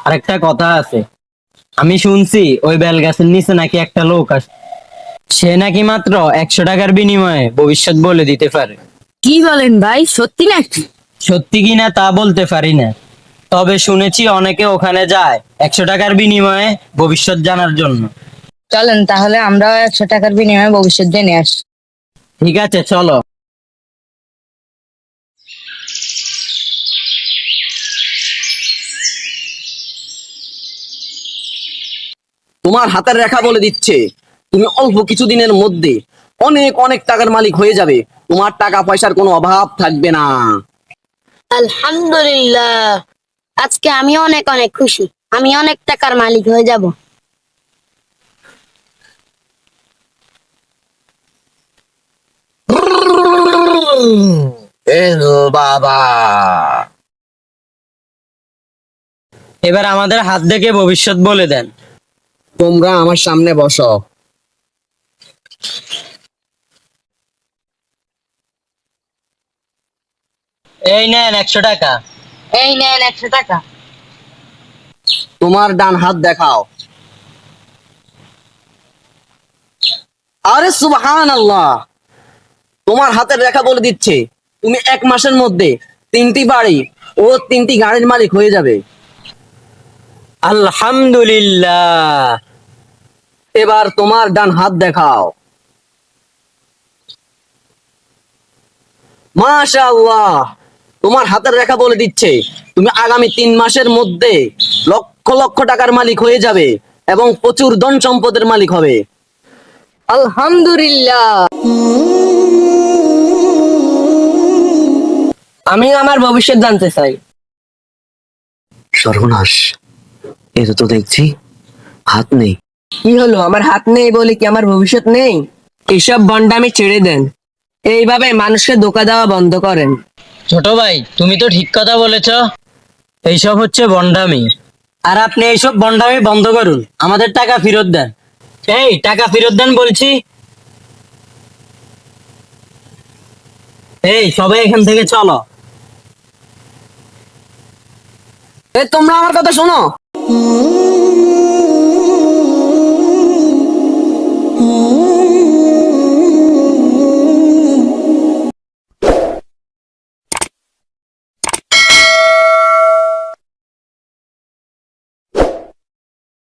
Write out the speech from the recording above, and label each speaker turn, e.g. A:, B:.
A: আরেকটা কথা আছে, আমি শুনছি ওই বেল গাছের নিচে নাকি একটা লোক আছে, সে নাকি মাত্র 100 টাকার বিনিময়ে ভবিষ্যৎ বলে দিতে পারে।
B: কি বলেন ভাই, সত্যি নাকি?
A: সত্যি কিনা তা বলতে পারি না, তবে শুনেছি অনেকে ওখানে যায় 100 টাকার বিনিময়ে ভবিষ্যৎ জানার জন্য।
B: চলেন তাহলে আমরাও 100 টাকার বিনিময়ে ভবিষ্যৎ জেনে আসি।
A: ঠিক আছে, চলো।
C: তোমার হাতের রেখা বলে দিচ্ছে তুমি অল্প কিছুদিনের মধ্যে অনেক অনেক টাকার মালিক হয়ে যাবে। তোমার টাকা পয়সার কোনো অভাব থাকবে না।
D: আলহামদুলিল্লাহ, আজকে আমি অনেক অনেক খুশি। আমি অনেক টাকার মালিক হয়ে যাব।
C: এলো বাবা।
A: এবার আমাদের হাত দেখে ভবিষ্যৎ বলে দেন।
C: তোমরা আমার সামনে বসো।
A: এই নেন 100 টাকা।
B: এই নেন 100 টাকা।
C: তোমার ডান হাত দেখাও। আরে সুবহানাল্লাহ, তোমার হাতের রেখা বলে দিচ্ছে তুমি 1 মাসের মধ্যে 3টি বাড়ি ও 3টি গাড়ির মালিক হয়ে যাবে।
A: আলহামদুলিল্লাহ।
C: এবার তোমার ডান হাত দেখাও। মাশাআল্লাহ, তোমার হাতের রেখা বলে দিচ্ছে তুমি আগামী 3 মাসের মধ্যে লক্ষ লক্ষ টাকার মালিক হয়ে যাবে এবং প্রচুর ধন সম্পদের মালিক হবে।
B: আলহামদুলিল্লাহ।
A: আমি আমার ভবিষ্যৎ জানতে চাই।
C: সর্বনাশ, এটা তো দেখছি হাত নেই।
B: কি হলো, আমার হাত নেই বলে কি আমার ভবিষ্যৎ নেই? এসব বন্ডামি ছেড়ে দেন, এইভাবে মানুষকে ধোকা দেওয়া বন্ধ করেন।
A: ছোট ভাই, তুমি তো ঠিক কথা বলেছ, এইসব হচ্ছে বন্ডামি। আর আপনি এইসব বন্ডামি বন্ধ করুন, আমাদের টাকা ফেরত দেন। এই টাকা ফেরত দেন বলছি। এই সবাই এখান থেকে চলো।
C: তোমরা আমার কথা শোনো।